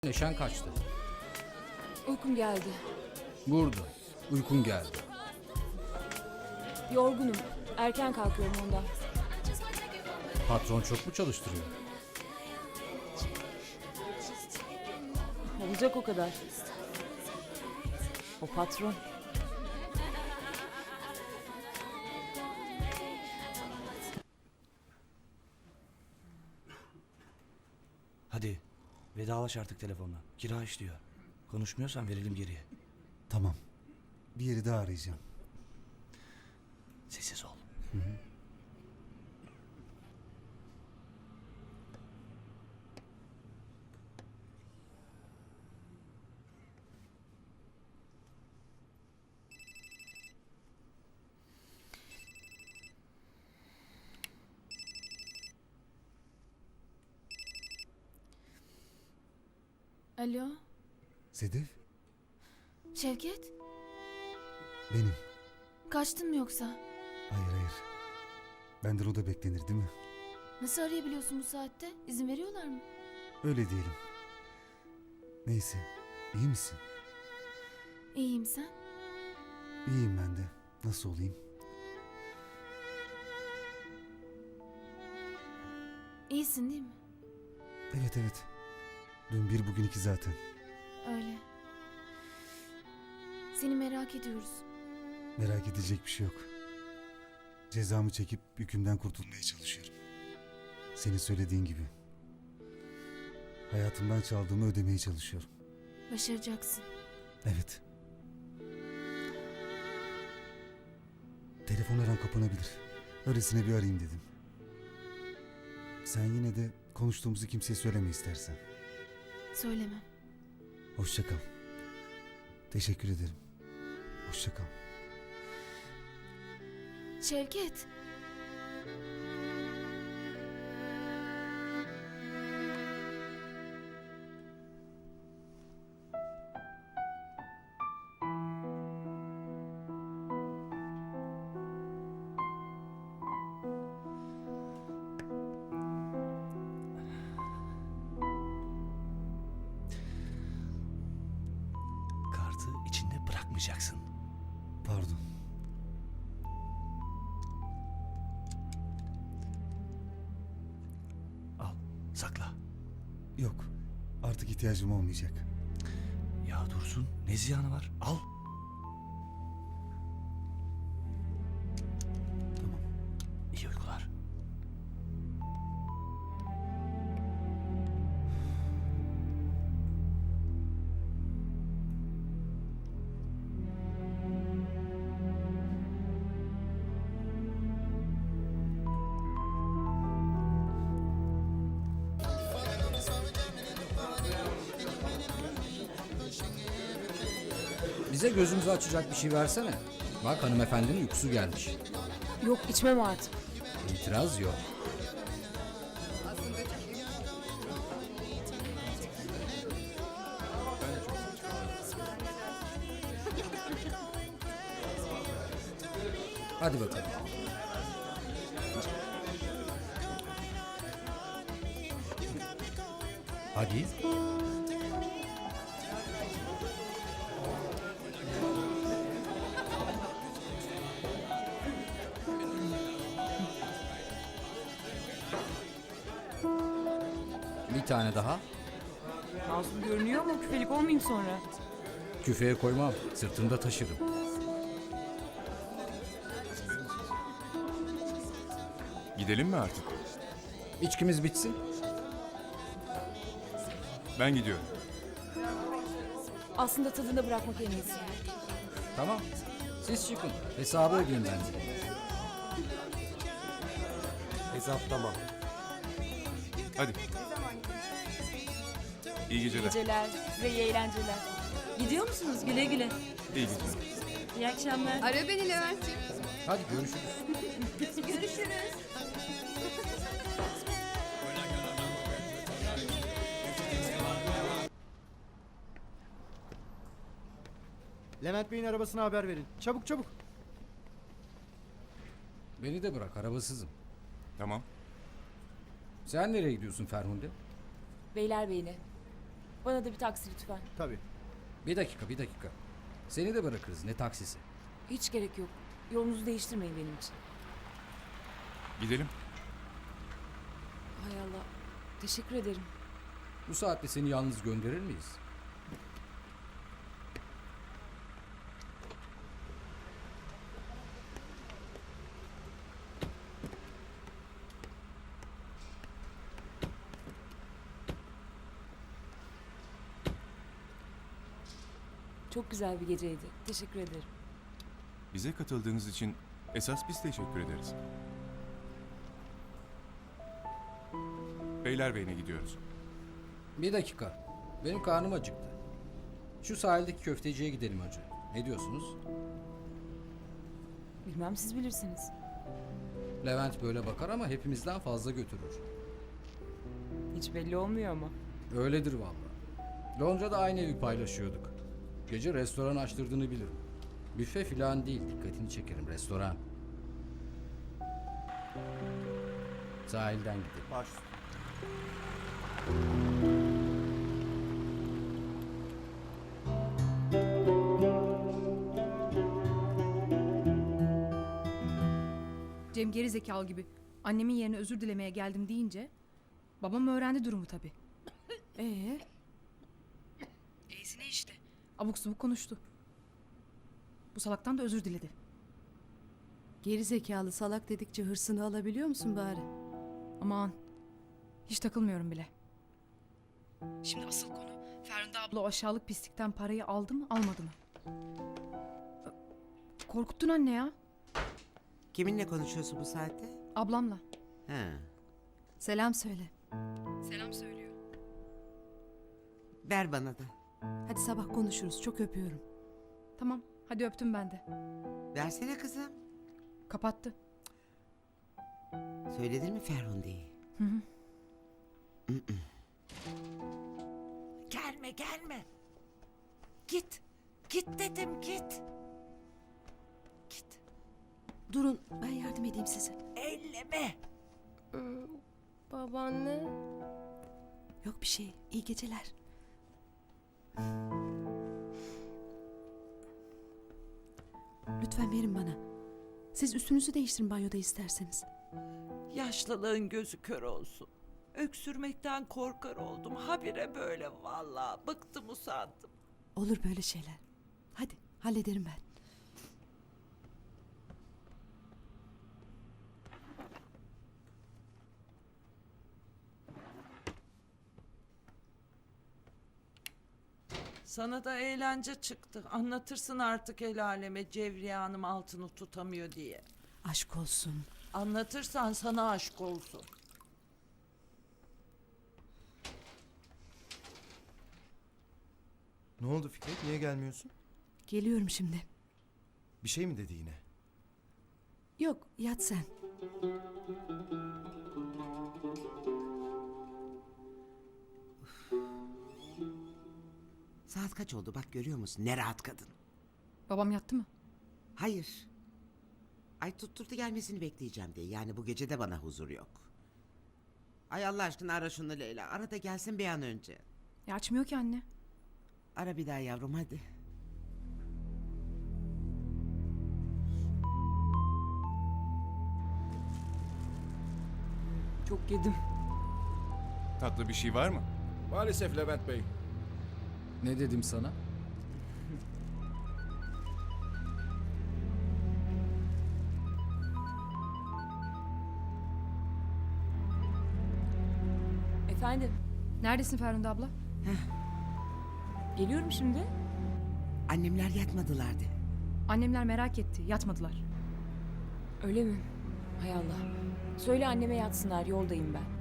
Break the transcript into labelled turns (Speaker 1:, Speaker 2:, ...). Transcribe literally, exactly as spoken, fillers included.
Speaker 1: Neşen kaçtı.
Speaker 2: Uykum geldi.
Speaker 1: Burada. Uykun geldi.
Speaker 2: Yorgunum. Erken kalkıyorum ondan.
Speaker 1: Patron çok mu çalıştırıyor?
Speaker 2: Olacak o kadar. O patron.
Speaker 3: Hadi vedalaş artık telefonla. Kira işliyor. Konuşmuyorsan verelim geriye.
Speaker 4: Tamam. Bir yeri daha arayacağım.
Speaker 3: Sessiz ol.
Speaker 5: Alo,
Speaker 4: Sedef,
Speaker 5: Şevket?
Speaker 4: benim.
Speaker 5: Kaçtın mı yoksa?
Speaker 4: Hayır hayır. Benden o da beklenir değil mi?
Speaker 5: Nasıl arayabiliyorsun bu saatte? İzin veriyorlar mı?
Speaker 4: Öyle diyelim. Neyse, iyi misin?
Speaker 5: İyiyim sen.
Speaker 4: İyiyim ben de. Nasıl olayım?
Speaker 5: İyisin değil mi?
Speaker 4: Evet evet. Dün bir bugün iki zaten.
Speaker 5: Öyle. Seni merak ediyoruz.
Speaker 4: Merak edecek bir şey yok. Cezamı çekip yükümden kurtulmaya çalışıyorum. Senin söylediğin gibi. Hayatımdan çaldığımı ödemeye çalışıyorum.
Speaker 5: Başaracaksın.
Speaker 4: Evet. Telefon her an kapanabilir. Öylesine bir arayayım dedim. Sen yine de konuştuğumuzu kimseye söyleme istersen.
Speaker 5: Söylemem.
Speaker 4: Hoşça kal. Teşekkür ederim. Hoşça kal.
Speaker 5: Şevket.
Speaker 3: Kartı içinde bırakmayacaksın.
Speaker 4: Pardon.
Speaker 3: Al, sakla.
Speaker 4: Yok. Artık ihtiyacım olmayacak.
Speaker 3: Ya Dursun, ne ziyanı var? Al.
Speaker 4: Tamam.
Speaker 3: İyi uykular.
Speaker 1: Bize gözümüzü açacak bir şey versene. Bak hanımefendinin uykusu gelmiş.
Speaker 2: Yok içmem artık.
Speaker 1: İtiraz yok. Hadi bakalım. Hadi. Bir tane daha.
Speaker 2: Masum görünüyor ama küfelik olmayayım sonra.
Speaker 1: Küfeye koymam. Sırtımda taşırım.
Speaker 6: Gidelim mi artık?
Speaker 1: İçkimiz bitsin.
Speaker 6: Ben gidiyorum.
Speaker 2: Aslında tadında bırakmak en iyisi.
Speaker 1: Tamam. Siz çıkın. Hesabı ödeyin bence.
Speaker 3: Hesap tamam.
Speaker 6: Hadi. İyi geceler.
Speaker 2: Geceler, size iyi eğlenceler. Gidiyor musunuz? Güle güle.
Speaker 6: İyi geceler.
Speaker 2: İyi akşamlar.
Speaker 7: Ara beni Levent'ciğim.
Speaker 1: Hadi görüşürüz.
Speaker 7: Görüşürüz.
Speaker 8: Levent Bey'in arabasına haber verin. Çabuk çabuk.
Speaker 1: Beni de bırak, arabasızım.
Speaker 6: Tamam.
Speaker 1: Sen nereye gidiyorsun Ferhunde?
Speaker 2: Beylerbeyi'ne. Bana da bir taksi lütfen.
Speaker 8: Tabii.
Speaker 1: Bir dakika bir dakika. Seni de bırakırız ne taksisi.
Speaker 2: Hiç gerek yok. Yolunuzu değiştirmeyin benim için.
Speaker 6: Gidelim.
Speaker 2: Hay Allah. Teşekkür ederim.
Speaker 1: Bu saatte seni yalnız gönderir miyiz?
Speaker 2: Çok güzel bir geceydi. Teşekkür ederim.
Speaker 6: Bize katıldığınız için esas biz teşekkür ederiz. Beylerbeyi'ne gidiyoruz.
Speaker 1: Bir dakika. Benim karnım acıktı. Şu sahildeki köfteciye gidelim önce. Ne diyorsunuz?
Speaker 2: Bilmem siz bilirsiniz.
Speaker 1: Levent böyle bakar ama hepimizden fazla götürür.
Speaker 2: Hiç belli olmuyor ama.
Speaker 1: Öyledir vallahi. Londra'da aynı evi paylaşıyorduk. Gece restoran açtırdığını bilirim. Büfe filan değil, dikkatini çekerim, restoran. Sahilden gidelim.
Speaker 8: Baş.
Speaker 7: Cem geri zekalı gibi annemin yerine özür dilemeye geldim deyince babam öğrendi durumu tabii. Ee? E'sine işte. Abuk subuk konuştu. Bu salaktan da özür diledi.
Speaker 9: Geri zekalı salak dedikçe hırsını alabiliyor musun bari?
Speaker 7: Aman. Hiç takılmıyorum bile. Şimdi asıl konu Ferhunde abla o aşağılık pislikten parayı aldı mı almadı mı? Korkuttun anne ya.
Speaker 10: Kiminle konuşuyorsun bu saatte?
Speaker 7: Ablamla.
Speaker 10: Ha.
Speaker 9: Selam söyle.
Speaker 7: Selam söylüyor.
Speaker 10: Ver bana da.
Speaker 9: Hadi sabah konuşuruz. Çok öpüyorum.
Speaker 7: Tamam hadi öptüm ben de.
Speaker 10: Versene kızım.
Speaker 7: Kapattı.
Speaker 10: Söyledin mi Ferhunde'yi?
Speaker 7: Hı hı.
Speaker 10: Gelme gelme. Git. Git dedim git. Git.
Speaker 9: Durun ben yardım edeyim size.
Speaker 10: Elleme.
Speaker 9: Babaanne. Yok bir şey. İyi geceler. Lütfen verin bana. Siz üstünüzü değiştirin banyoda isterseniz.
Speaker 11: Yaşlılığın gözü kör olsun. Öksürmekten korkar oldum. Habire böyle vallahi bıktım usandım.
Speaker 9: Olur böyle şeyler. Hadi hallederim ben.
Speaker 11: Sana da eğlence çıktı. Anlatırsın artık el aleme Cevriye Hanım altını tutamıyor diye.
Speaker 9: Aşk olsun.
Speaker 11: Anlatırsan sana aşk olsun.
Speaker 12: Ne oldu Fikret? Niye gelmiyorsun?
Speaker 9: Geliyorum şimdi.
Speaker 12: Bir şey mi dedi yine?
Speaker 9: Yok yat sen.
Speaker 10: Saat kaç oldu bak görüyor musun? Ne rahat kadın.
Speaker 7: Babam yattı mı?
Speaker 10: Hayır. Ay tutturdu gelmesini bekleyeceğim diye. Yani bu gece de bana huzur yok. Ay Allah aşkına ara şunu Leyla. Ara da gelsin bir an önce.
Speaker 7: Ya açmıyor ki anne.
Speaker 10: Ara bir daha yavrum hadi.
Speaker 2: Çok yedim.
Speaker 6: Tatlı bir şey var mı?
Speaker 12: Maalesef Levent Bey.
Speaker 1: Ne dedim sana?
Speaker 2: Efendim,
Speaker 7: Neredesin Ferhunde abla?
Speaker 2: geliyorum şimdi.
Speaker 10: Annemler yatmadılardı.
Speaker 7: Annemler merak etti. Yatmadılar.
Speaker 2: Öyle mi? Hay Allah. Söyle anneme yatsınlar, yoldayım ben.